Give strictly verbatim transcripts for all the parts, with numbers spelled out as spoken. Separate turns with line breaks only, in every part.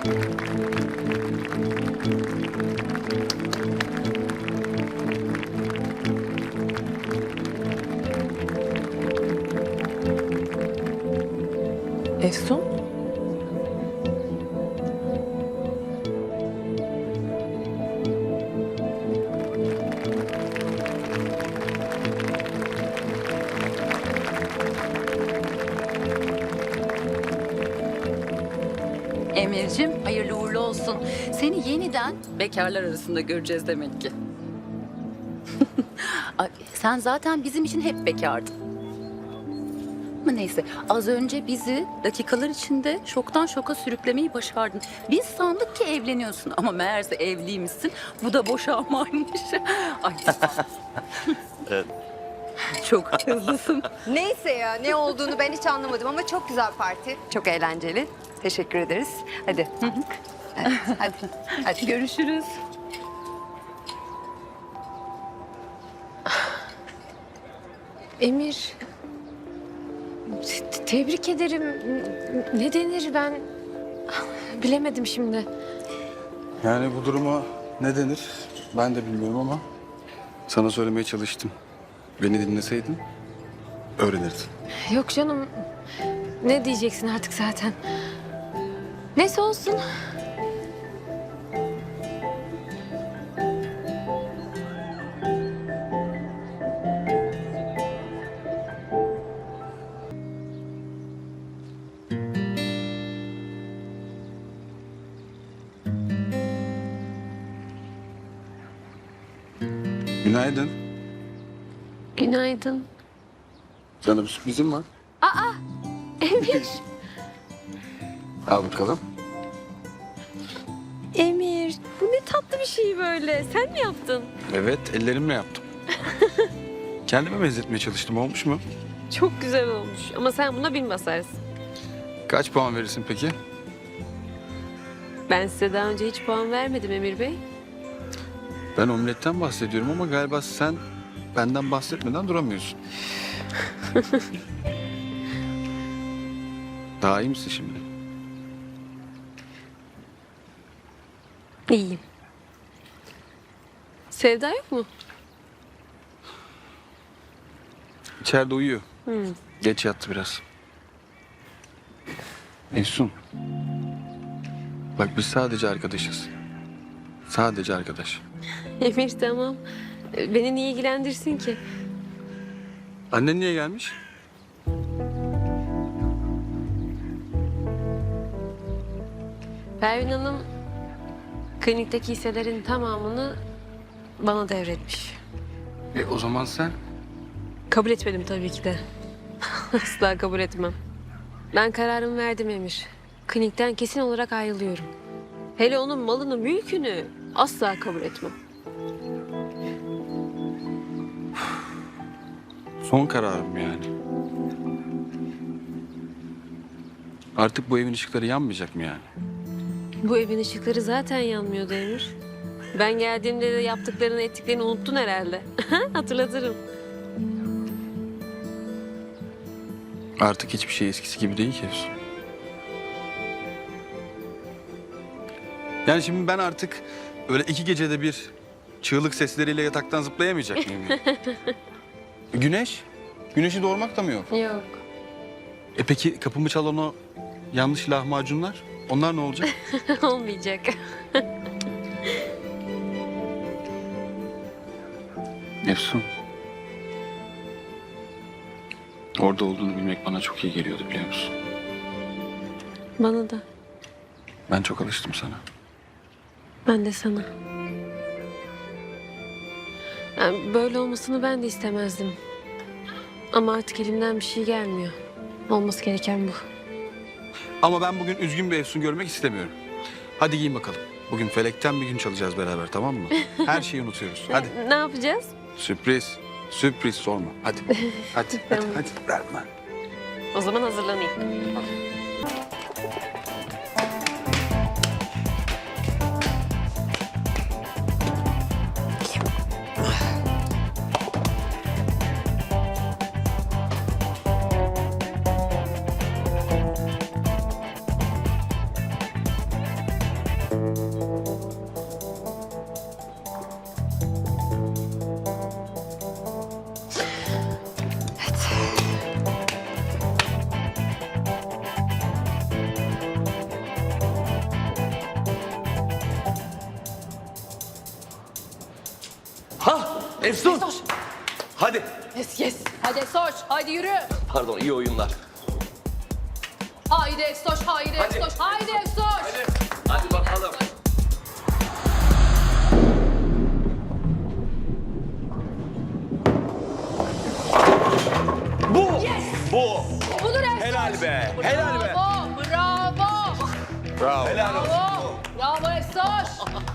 Efsun?
Emir'cim hayırlı uğurlu olsun. Seni yeniden bekarlar arasında göreceğiz demek ki. Ay, sen zaten bizim için hep bekardın. Ama neyse, az önce bizi dakikalar içinde şoktan şoka sürüklemeyi başardın. Biz sandık ki evleniyorsun ama meğerse evliymişsin. Bu da boşanmaymış. Ay.
Evet.
Çok hızlısın.
Neyse ya, ne olduğunu ben hiç anlamadım ama çok güzel parti. Çok eğlenceli. Teşekkür ederiz. Hadi. Hadi. Hadi. Hadi.
Görüşürüz.
Emir, te- tebrik ederim. Ne denir ben bilemedim şimdi.
Yani bu duruma ne denir ben de bilmiyorum ama sana söylemeye çalıştım. Beni dinleseydin öğrenirdin.
Yok canım, ne diyeceksin artık zaten. Neyse olsun.
Günaydın.
Günaydın.
Sana bir sürprizim var.
Emir,
Al bakalım.
Emir. Bu ne tatlı bir şey böyle. Sen mi yaptın?
Evet, ellerimle yaptım. Kendime benzetmeye çalıştım. Olmuş mu?
Çok güzel olmuş ama sen buna bin basarsın.
Kaç puan verirsin peki?
Ben size daha önce hiç puan vermedim Emir Bey.
Ben omletten bahsediyorum ama galiba sen benden bahsetmeden duramıyorsun. Daha iyi misin şimdi?
İyiyim. Sevda yok mu?
İçeride uyuyor.
Hmm.
Geç yattı biraz. Efsun. Bak biz sadece arkadaşız. Sadece arkadaş.
Emir tamam. Beni niye ilgilendirsin ki?
Annen niye gelmiş?
Pervin Hanım klinikteki hisselerin tamamını bana devretmiş.
E o zaman sen?
Kabul etmedim tabii ki de. Asla kabul etmem. Ben kararımı verdim Emir. Klinikten kesin olarak ayrılıyorum. Hele onun malını, mülkünü asla kabul etmem.
Son kararım yani. Artık bu evin ışıkları yanmayacak mı yani?
Bu evin ışıkları zaten yanmıyordu Emir. Ben geldiğimde de yaptıklarını, ettiklerini unuttun herhalde. Hatırlatırım.
Artık hiçbir şey eskisi gibi değil ki Efsun. Yani şimdi ben artık öyle iki gecede bir çığlık sesleriyle yataktan zıplayamayacak mıyım? yani? Güneş? Güneşi doğurmak da mı yok?
Yok.
E peki kapımı çalan o yanlış lahmacunlar? Onlar ne olacak?
Olmayacak.
Efsun. Orada olduğunu bilmek bana çok iyi geliyordu biliyor musun?
Bana da.
Ben çok alıştım sana.
Ben de sana. Yani böyle olmasını ben de istemezdim. Ama artık elimden bir şey gelmiyor. Olması gereken bu.
Ama ben bugün üzgün bir Efsun görmek istemiyorum. Hadi giyin bakalım. Bugün felekten bir gün çalacağız beraber tamam mı? Her şeyi unutuyoruz. Hadi.
Ne yapacağız?
Sürpriz. Sürpriz sorma. Hadi. Hadi. hadi,
Tamam.
hadi. Verme.
O zaman hazırlanayım.
Efsun. Hadi.
Yes yes. Hadi Efsoş. Haydi yürü.
Pardon, iyi oyunlar.
Haydi Efsoş. Haydi Efsoş. Haydi Efsoş.
Hadi bakalım. Bu. Bu.
Budur Efsoş.
Helal be. Helal be.
Bravo. Bravo.
Bravo. Helal olsun.
Bravo. Bravo Efsoş.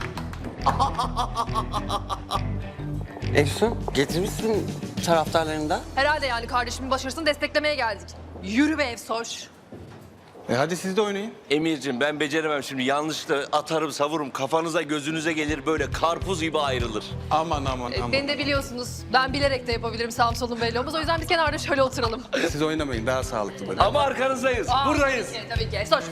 Efsun, getirmişsin taraftarlarında.
Herhalde yani kardeşimin başarısını desteklemeye geldik. Yürü be Efsoş.
E hadi siz de oynayın.
Emir'cim ben beceremem şimdi. Yanlışla atarım savururum. Kafanıza gözünüze gelir böyle karpuz gibi ayrılır.
Aman aman aman.
Beni de biliyorsunuz. Ben bilerek de yapabilirim sağım solum belli olmaz. O yüzden biz kenarda şöyle oturalım.
Siz oynamayın, daha sağlıklı böyle.
Ama arkanızdayız.
Aa,
Buradayız.
Tabii ki, tabii ki. Efsoş.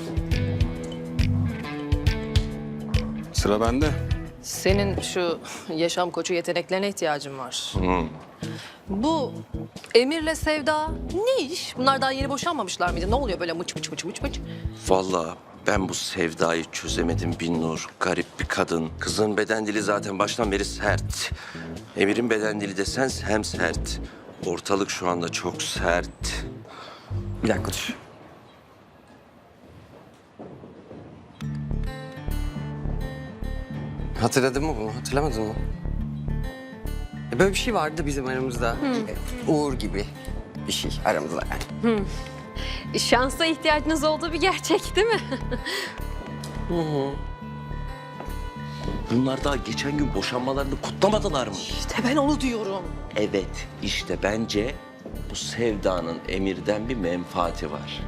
Sıra bende.
Senin şu yaşam koçu yeteneklerine ihtiyacın var. Bu Emir'le Sevda ne iş? Bunlar daha yeni boşanmamışlar mıydı? Ne oluyor böyle mıç mıç mıç mıç mıç?
Vallahi ben bu Sevda'yı çözemedim Binnur. Garip bir kadın. Kızın beden dili zaten baştan beri sert. Emir'in beden dili desen hem sert. Ortalık şu anda çok sert.
Bir dakika dur. Hatırladın mı bunu? Hatırlamadın mı? E, Böyle bir şey vardı bizim aramızda. E, Uğur gibi bir şey aramızda yani.
Şansa ihtiyacınız olduğu bir gerçek değil mi?
Bunlar daha geçen gün boşanmalarını kutlamadılar mı?
İşte ben onu diyorum.
Evet, işte bence bu Sevda'nın Emir'den bir menfaati var.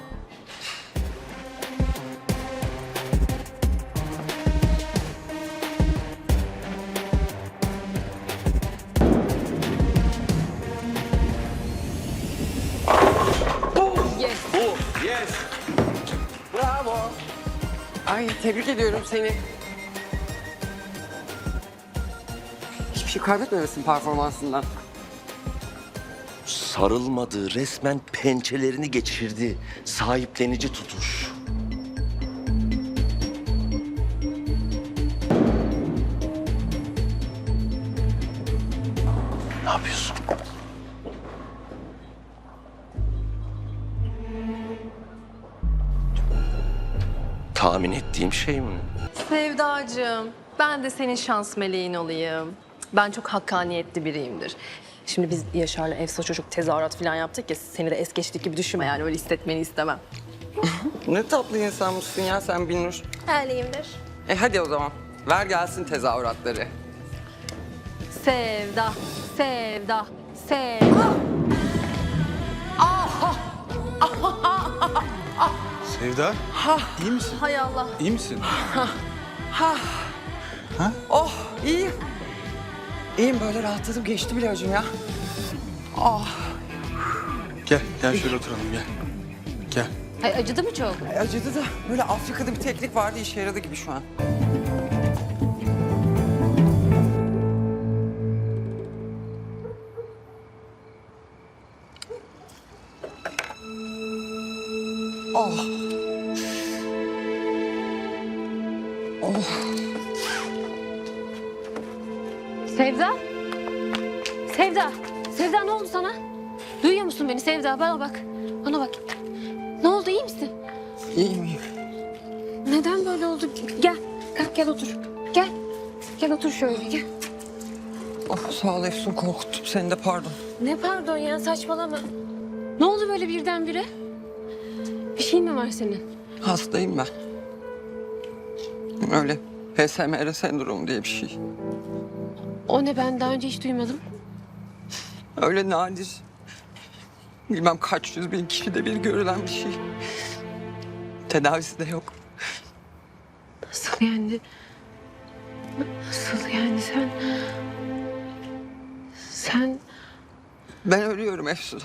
Yes.
Bu, yes.
Bravo. Ay tebrik ediyorum seni. Hiçbir şey kaybetmemesin performansından.
Sarılmadı, resmen pençelerini geçirdi. Sahiplenici tutuş. Ne yapıyorsun? Tahmin ettiğim şey mi?
Sevdacığım, ben de senin şans meleğin olayım. Ben çok hakkaniyetli biriyimdir. Şimdi biz Yaşar'la Efsoş çocuk tezahürat falan yaptık ya, seni de es geçtik gibi düşünme yani, öyle hissetmeni istemem.
Ne tatlı insanmışsın ya sen Binnur.
Öyleyimdir.
E hadi o zaman. Ver gelsin tezahüratları.
Sevda, sevda, sevda.
Sevda, iyi misin?
Hay Allah.
İyi misin?
Oh iyiyim. İyiyim böyle rahatladım geçti bile hocam ya.
Gel, gel şöyle oturalım gel. Gel.
Ay, acıdı mı çok?
Ay, acıdı da böyle Afrika'da bir teknik vardı işe yaradı gibi şu an. Oh.
Sevda? Sevda? Sevda ne oldu sana? Duyuyor musun beni Sevda? Bana bak. Bana bak. Ne oldu iyi misin?
İyiyim iyiyim.
Neden böyle oldu? Gel. Kalk gel otur. Gel. Gel otur şöyle gel.
Oh, sağ ol Efsun korkuttum seni de pardon.
Ne pardon ya saçmalama. Ne oldu böyle birdenbire? Bir şey mi var senin?
Hastayım ben. Öyle P S M R sendromu diye bir şey.
O ne ben daha önce hiç duymadım.
Öyle nadir. Bilmem kaç yüz bin kişide bir görülen bir şey. Tedavisi de yok.
Nasıl yani? Nasıl yani sen... Sen...
Ben ölüyorum Efsun.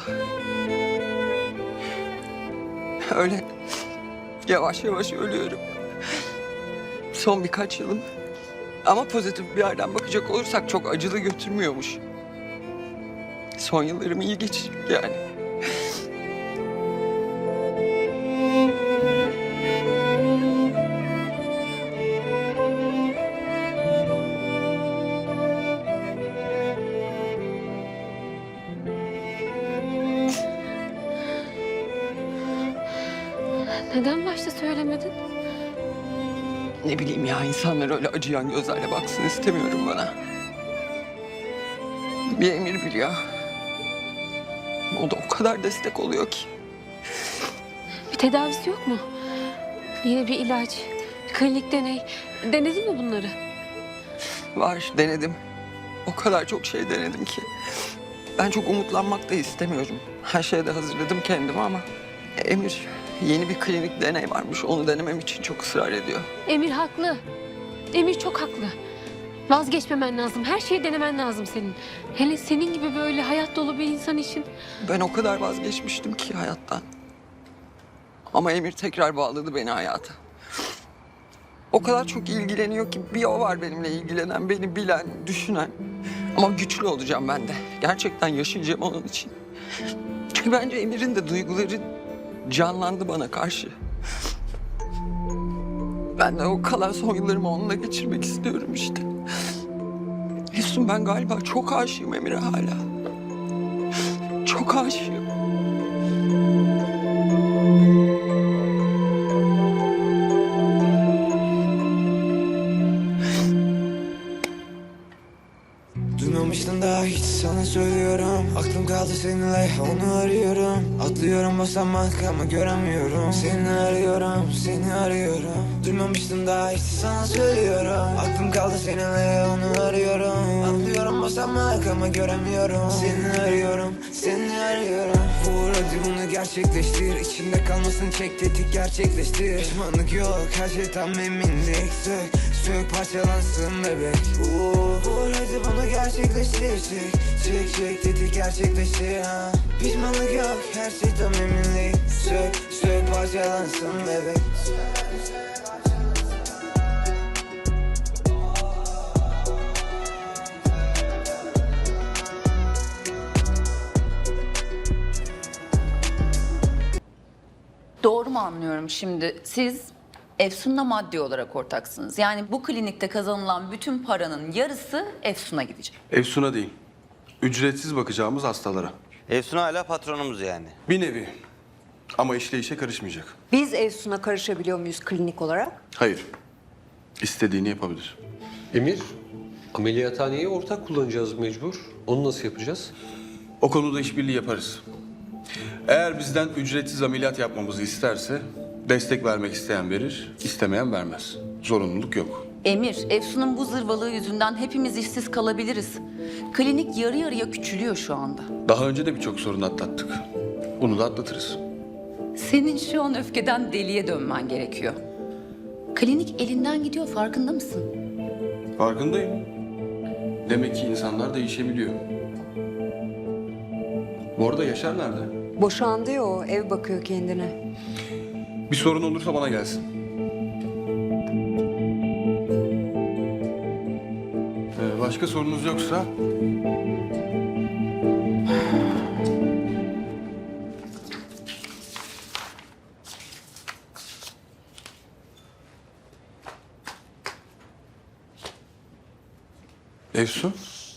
Öyle yavaş yavaş ölüyorum. Son birkaç yılım. Ama pozitif bir yerden bakacak olursak çok acılı götürmüyormuş. Son yıllarım iyi geçecek yani.
Neden başta söylemedin?
Ne bileyim ya, insanlar öyle acıyan gözlerle baksın istemiyorum bana. Bir Emir biliyor. O da o kadar destek oluyor ki.
Bir tedavisi yok mu? Yine bir ilaç, klinik deney. Denedin mi bunları?
Var, denedim. O kadar çok şey denedim ki. Ben çok umutlanmak da istemiyorum. Her şeye de hazırladım kendimi ama... Emir, yeni bir klinik deney varmış. Onu denemem için çok ısrar ediyor.
Emir haklı. Emir çok haklı. Vazgeçmemen lazım. Her şeyi denemen lazım senin. Hele senin gibi böyle hayat dolu bir insan için.
Ben o kadar vazgeçmiştim ki hayattan. Ama Emir tekrar bağladı beni hayata. O kadar çok ilgileniyor ki bir o var benimle ilgilenen, beni bilen, düşünen. Ama güçlü olacağım ben de. Gerçekten yaşayacağım onun için. Çünkü bence Emir'in de duyguları canlandı bana karşı. Ben de o kalan son yıllarımı onunla geçirmek istiyorum işte. Efsun, ben galiba çok aşığım Emir'e hala. Çok aşığım.
Duymamıştın daha hiç, sana söylüyorum. Aklım kaldı seninle, onu arıyorum. Atlıyorum basamak ama göremiyorum. Seni arıyorum, seni arıyorum. Duymamıştın daha hiç, sana söylüyorum. Aklım kaldı seninle, onu arıyorum. Atlıyorum basamak ama göremiyorum. Seni arıyorum, seni arıyorum. Vur hadi bunu gerçekleştir. İçinde kalmasın, çek tetik gerçekleştir. Pişmanlık yok, her şey tam eminlik. Sök, sök parçalansın bebek. Vur hadi bunu gerçekleştir. Çek, çek, çek tetik gerçekleştir ha. Pişmanlık yok, her şey tam eminlik. Sök, sök parçalansın bebek.
Doğru mu anlıyorum şimdi? Siz Efsun'la maddi olarak ortaksınız. Yani bu klinikte kazanılan bütün paranın yarısı Efsun'a gidecek.
Efsun'a değil. Ücretsiz bakacağımız hastalara.
Efsun hala patronumuz yani.
Bir nevi. Ama işleyişe karışmayacak.
Biz Efsun'a karışabiliyor muyuz klinik olarak?
Hayır. İstediğini yapabilir.
Emir, ameliyathaneyi ortak kullanacağız mecbur. Onu nasıl yapacağız?
O konuda işbirliği yaparız. Eğer bizden ücretsiz ameliyat yapmamızı isterse destek vermek isteyen verir, istemeyen vermez. Zorunluluk yok.
Emir, Efsun'un bu zırvalığı yüzünden hepimiz işsiz kalabiliriz. Klinik yarı yarıya küçülüyor şu anda.
Daha önce de birçok sorun atlattık. Bunu da atlatırız.
Senin şu an öfkeden deliye dönmen gerekiyor. Klinik elinden gidiyor, farkında mısın?
Farkındayım. Demek ki insanlar değişebiliyor. Bu arada Yaşar nerede?
Boşandı ya o, ev bakıyor kendine.
Bir sorun olursa bana gelsin. Ee, başka sorunuz yoksa... Efsun?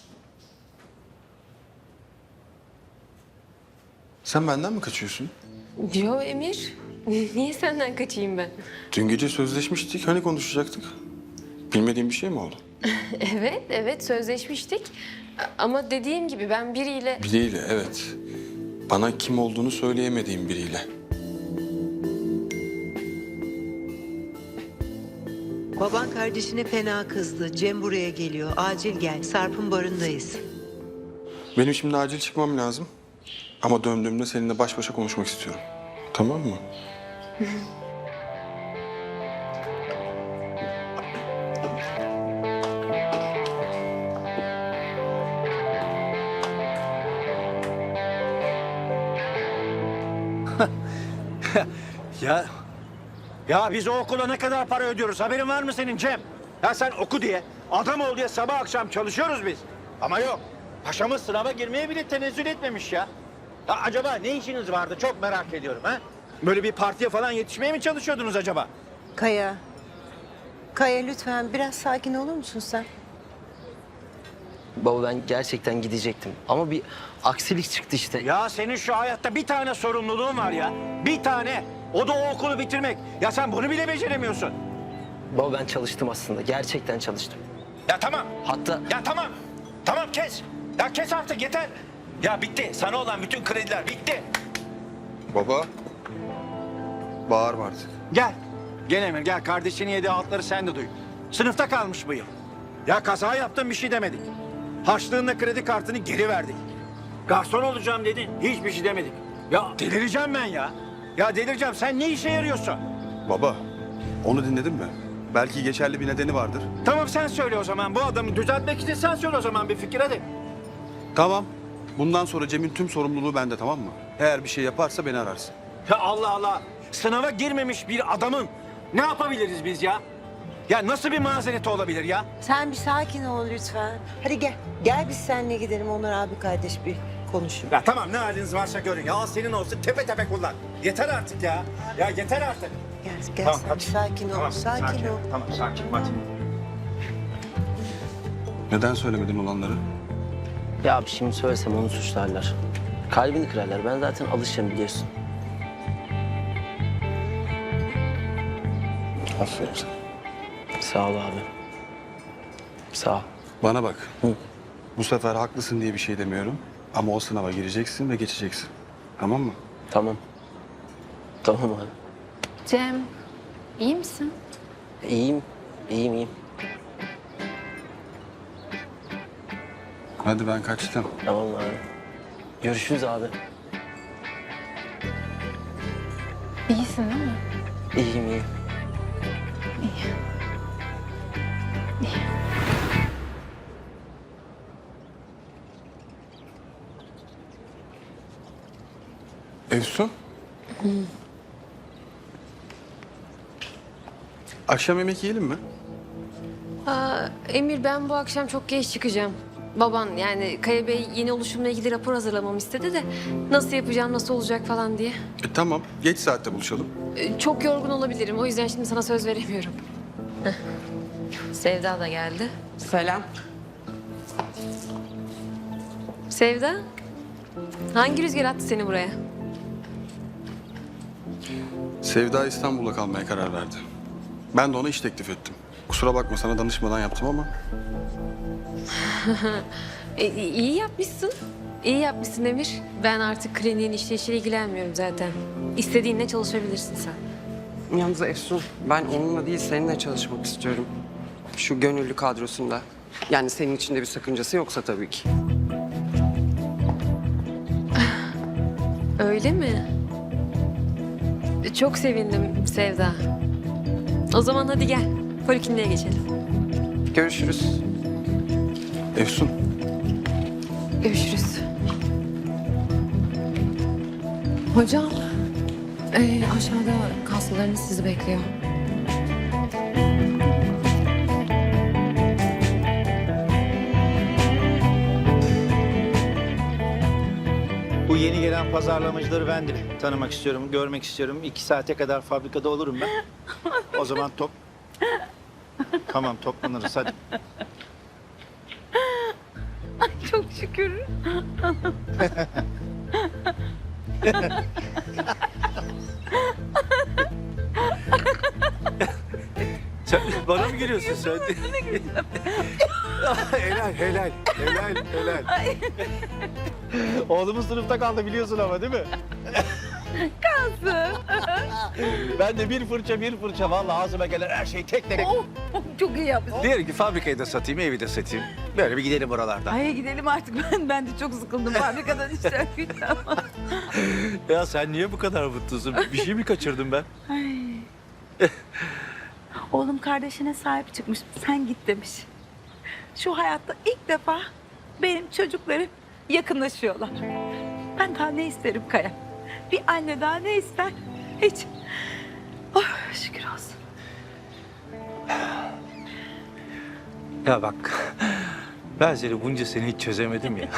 Sen benden mi kaçıyorsun?
Yo Emir. Niye senden kaçayım ben?
Dün gece sözleşmiştik, hani konuşacaktık? Bilmediğin bir şey mi oldu?
Evet, evet sözleşmiştik. Ama dediğim gibi ben biriyle...
Biriyle, evet. Bana kim olduğunu söyleyemediğim biriyle.
Baban kardeşine fena kızdı. Cem buraya geliyor. Acil gel. Sarp'ın barındayız.
Benim şimdi acil çıkmam lazım. Ama döndüğümde seninle baş başa konuşmak istiyorum. Tamam mı?
Ya ya biz o okula ne kadar para ödüyoruz haberin var mı senin Cem? Ya sen oku diye, adam ol diye sabah akşam çalışıyoruz biz. Ama yok, paşamız sınava girmeye bile tenezzül etmemiş ya. Ya acaba ne işiniz vardı çok merak ediyorum ha? Böyle bir partiye falan yetişmeye mi çalışıyordunuz acaba?
Kaya. Kaya lütfen biraz sakin olur musun sen?
Baba ben gerçekten gidecektim ama bir aksilik çıktı işte.
Ya senin şu hayatta bir tane sorumluluğun var ya, bir tane. O da o okulu bitirmek. Ya sen bunu bile beceremiyorsun.
Baba ben çalıştım aslında. Gerçekten çalıştım.
Ya tamam.
Hatta
Ya tamam. Tamam kes. Ya kes artık yeter. Ya bitti. Sana olan bütün krediler bitti.
Baba. Bağırma artık.
Gel. Gel Emir gel. Kardeşinin yediği altları sen de duy. Sınıfta kalmış bu yıl. Ya kaza yaptın bir şey demedik. Harçlığınla kredi kartını geri verdik. Garson olacağım dedin. Hiçbir şey demedik. Ya delireceğim ben ya. Ya delireceğim. Sen ne işe yarıyorsun?
Baba, onu dinledin mi? Belki geçerli bir nedeni vardır.
Tamam sen söyle o zaman. Bu adamı düzeltmek için sen söyle o zaman bir fikir hadi.
Tamam. Bundan sonra Cem'in tüm sorumluluğu bende, tamam mı? Eğer bir şey yaparsa beni ararsın.
Ya Allah Allah. Sınava girmemiş bir adamın ne yapabiliriz biz ya? Ya nasıl bir mazereti olabilir ya?
Sen bir sakin ol lütfen. Hadi gel. Gel biz seninle gidelim Onur abi kardeş bir konuşun.
Ya tamam ne haliniz varsa görün. Ya al senin olsun tepe tepe kullan. Yeter artık ya. Ya yeter artık.
Gel, gel
Tamam,
sen
hadi.
bir sakin ol.
Tamam,
sakin,
sakin.
ol.
Tamam sakin hadi.
Neden söylemedin olanları?
ya abi şimdi söylesem onu suçlarlar. Kalbini kırarlar. Ben zaten alışacağım biliyorsun.
Aferin sana.
Sağ ol abi. Sağ ol.
Bana bak.
Hı.
Bu sefer haklısın diye bir şey demiyorum. Ama o sınava gireceksin ve geçeceksin. Tamam mı?
Tamam. Tamam abi.
Cem, iyi misin?
İyiyim. İyiyim iyiyim.
Hadi ben kaçtım.
Tamam abi. Görüşürüz abi.
İyisin değil mi?
İyiyim iyiyim.
Efsun. Akşam yemek yiyelim mi?
Aa, Emir ben bu akşam çok geç çıkacağım. Baban yani Kaya Bey yeni oluşumla ilgili rapor hazırlamamı istedi de nasıl yapacağım, nasıl olacak falan diye.
E, tamam. Geç saatte buluşalım.
Ee, Çok yorgun olabilirim. O yüzden şimdi sana söz veremiyorum. Heh. Sevda da geldi.
Selam.
Sevda, hangi rüzgar attı seni buraya?
Sevda İstanbul'da kalmaya karar verdi. Ben de ona iş teklif ettim. Kusura bakma sana danışmadan yaptım ama.
E, iyi yapmışsın. İyi yapmışsın Emir. Ben artık kliniğin işleyişiyle ilgilenmiyorum zaten. İstediğinle çalışabilirsin sen.
Yalnız Efsun, ben onunla değil seninle çalışmak istiyorum. Şu gönüllü kadrosunda. Yani senin için de bir sakıncası yoksa tabii ki.
Öyle mi? E, Çok sevindim Sevda. O zaman hadi gel. Polikliniğe geçelim.
Görüşürüz.
Efsun.
Görüşürüz. Hocam, ee, aşağıda kaslarınız sizi bekliyor.
Bu yeni gelen pazarlamacıları ben de tanımak istiyorum, görmek istiyorum. İki saate kadar fabrikada olurum ben. O zaman top... Tamam toplanırız hadi.
Çok şükür.
Sen bana mı gülüyorsun sen? helal, helal, helal, helal. Oğlumuz sınıfta kaldı biliyorsun ama değil mi?
Kalsın.
Ben de bir fırça bir fırça vallahi ağzıma gelen her şeyi tek tek.
Oh, çok iyi yapmışsın.
Diyelim ki fabrikayı da satayım, evi de satayım. Böyle bir gidelim oralarda.
Ay gidelim artık ben ben de çok sıkıldım fabrikadan işten güçten.
Ya sen niye bu kadar mutlusun? Bir şey mi kaçırdım ben?
Oğlum kardeşine sahip çıkmış. Sen git demiş. Şu hayatta ilk defa benim çocuklarım yakınlaşıyorlar. Ben daha ne isterim Kaya? Bir anne daha ne ister? Hiç. Oh, şükür olsun.
Ya bak, ben seni bunca sene hiç çözemedim ya.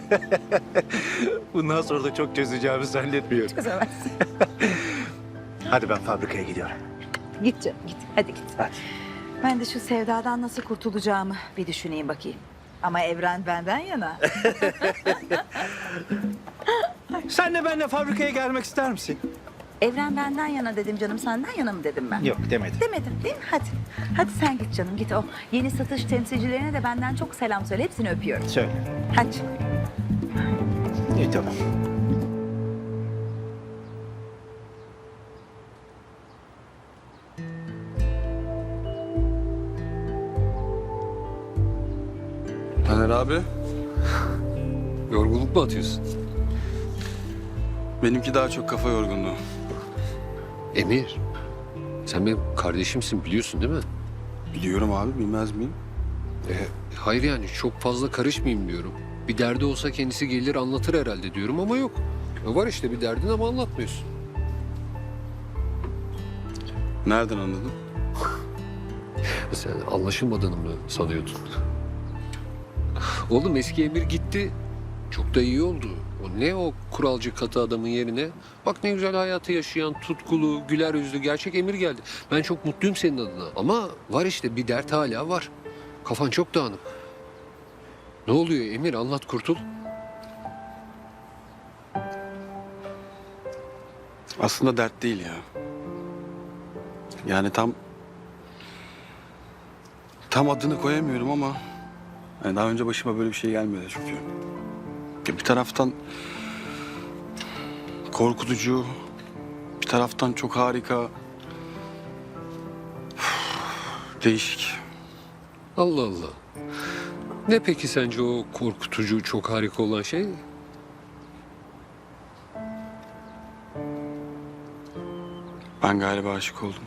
Bundan sonra da çok çözeceğimi zannetmiyorum.
Çözemezsin.
Hadi ben fabrikaya gidiyorum.
Git canım git. Hadi git.
Hadi.
Ben de şu sevdadan nasıl kurtulacağımı bir düşüneyim bakayım. Ama Evren benden yana.
Sen de benimle fabrikaya gelmek ister misin?
Evren benden yana dedim canım, senden yana mı dedim ben?
Yok demedim.
Demedim değil mi? Hadi. Hadi sen git canım, git o. Yeni satış temsilcilerine de benden çok selam söyle. Hepsini öpüyorum.
Söyle.
Hadi.
İyi tamam.
Taner abi,
Yorgunluk mu atıyorsun?
benimki daha çok kafa yorgunluğu.
Emir, sen benim kardeşimsin biliyorsun değil mi?
Biliyorum abi, bilmez miyim?
E, hayır yani çok fazla karışmayayım diyorum. Bir derdi olsa kendisi gelir anlatır herhalde diyorum ama yok. E, var işte bir derdin ama anlatmıyorsun.
Nereden anladın?
Sen anlaşılmadığını mı sanıyordun? Oğlum eski Emir gitti. Çok da iyi oldu. O ne o kuralcı katı adamın yerine? Bak ne güzel hayatı yaşayan, tutkulu, güler yüzlü, gerçek Emir geldi. Ben çok mutluyum senin adına. Ama var işte bir dert hala var. Kafan çok dağınık. Ne oluyor Emir? Anlat kurtul.
Aslında dert değil ya. Yani tam... Tam adını koyamıyorum ama... Yani daha önce başıma böyle bir şey gelmedi çünkü. Ya bir taraftan... Korkutucu... Bir taraftan çok harika... Değişik.
Allah Allah. Ne peki sence o korkutucu, çok harika olan şey?
Ben galiba aşık oldum.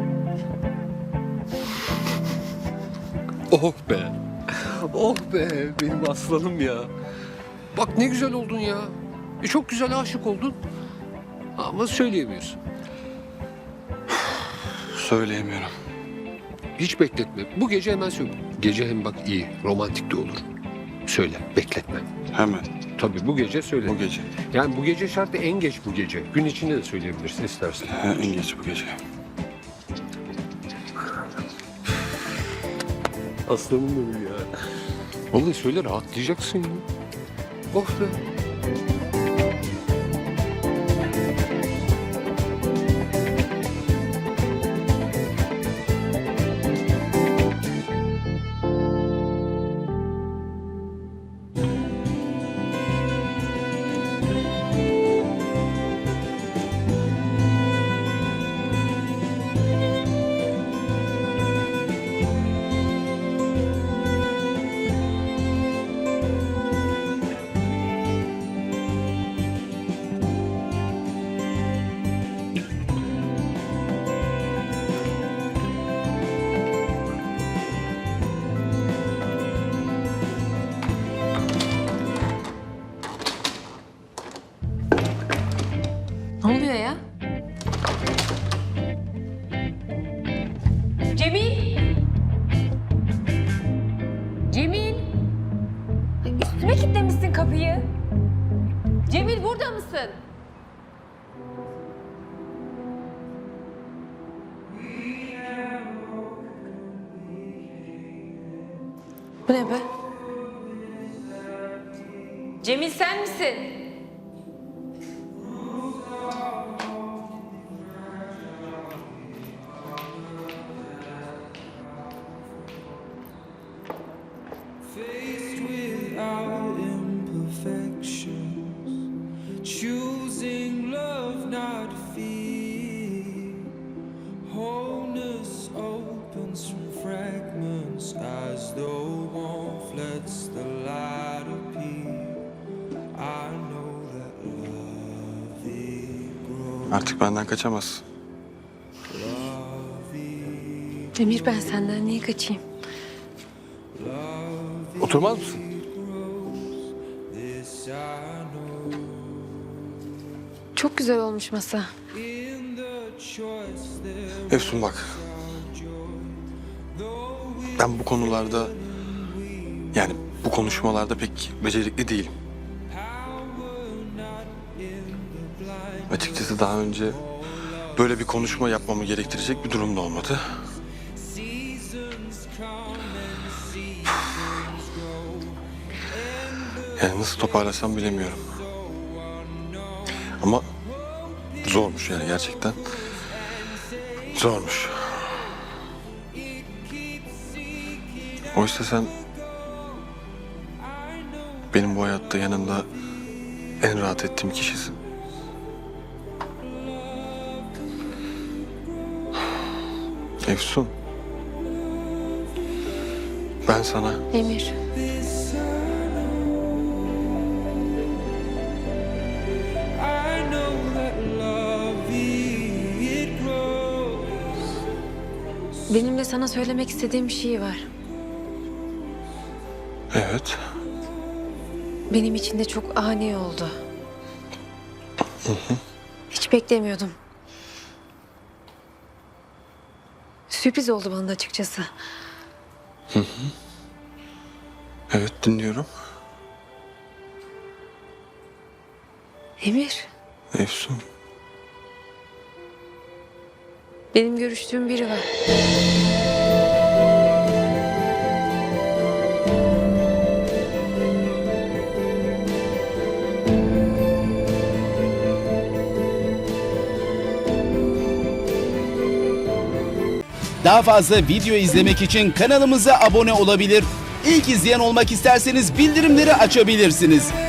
Oh be. Oh be benim aslanım ya. Bak ne güzel oldun ya. E, çok güzel aşık oldun. Ama söyleyemiyorsun.
Söyleyemiyorum.
Hiç bekletme. Bu gece hemen söyle. Gece hem bak iyi, romantik de olur. Söyle, bekletme.
Hemen.
Tabii bu gece söyle.
Bu gece.
Yani bu gece şartı en geç bu gece. Gün içinde de söyleyebilirsin istersen.
Ha, en geç bu gece.
Aslanım benim ya. Vallahi söyle rahatlayacaksın ya. Oh be.
Ne oluyor ya? Cemil! Cemil! Ay, üstüme kilitlemişsin kapıyı. Cemil burada mısın? Bu ne be? Cemil sen misin?
Faced with our imperfections, choosing love, not fear. Wholeness opens from fragments as though warmth lets the light appear. I know that love it grows.
Artık benden kaçamazsın.
Emir ben senden niye kaçayım?
Oturmaz mısın?
This I know.
Çok güzel olmuş masa.
In the choice there
Efsun bak. Ben bu konularda... Yani bu konuşmalarda pek becerikli değilim. Açıkçası daha önce böyle bir konuşma yapmamı gerektirecek bir durum da olmadı. Yani nasıl toparlasam bilemiyorum. Ama Zormuş yani gerçekten. Zormuş. Oysa sen benim bu hayatta yanında en rahat ettiğim kişisin. Efsun. Ben sana
Emir. Benim de sana söylemek istediğim bir şey var.
evet.
Benim için de çok ani oldu. Hiç beklemiyordum. Sürpriz oldu bana da açıkçası.
Evet dinliyorum.
Emir,
Efsun.
benim görüştüğüm biri var.
Daha fazla video izlemek için kanalımıza abone olabilir. İlk izleyen olmak isterseniz bildirimleri açabilirsiniz.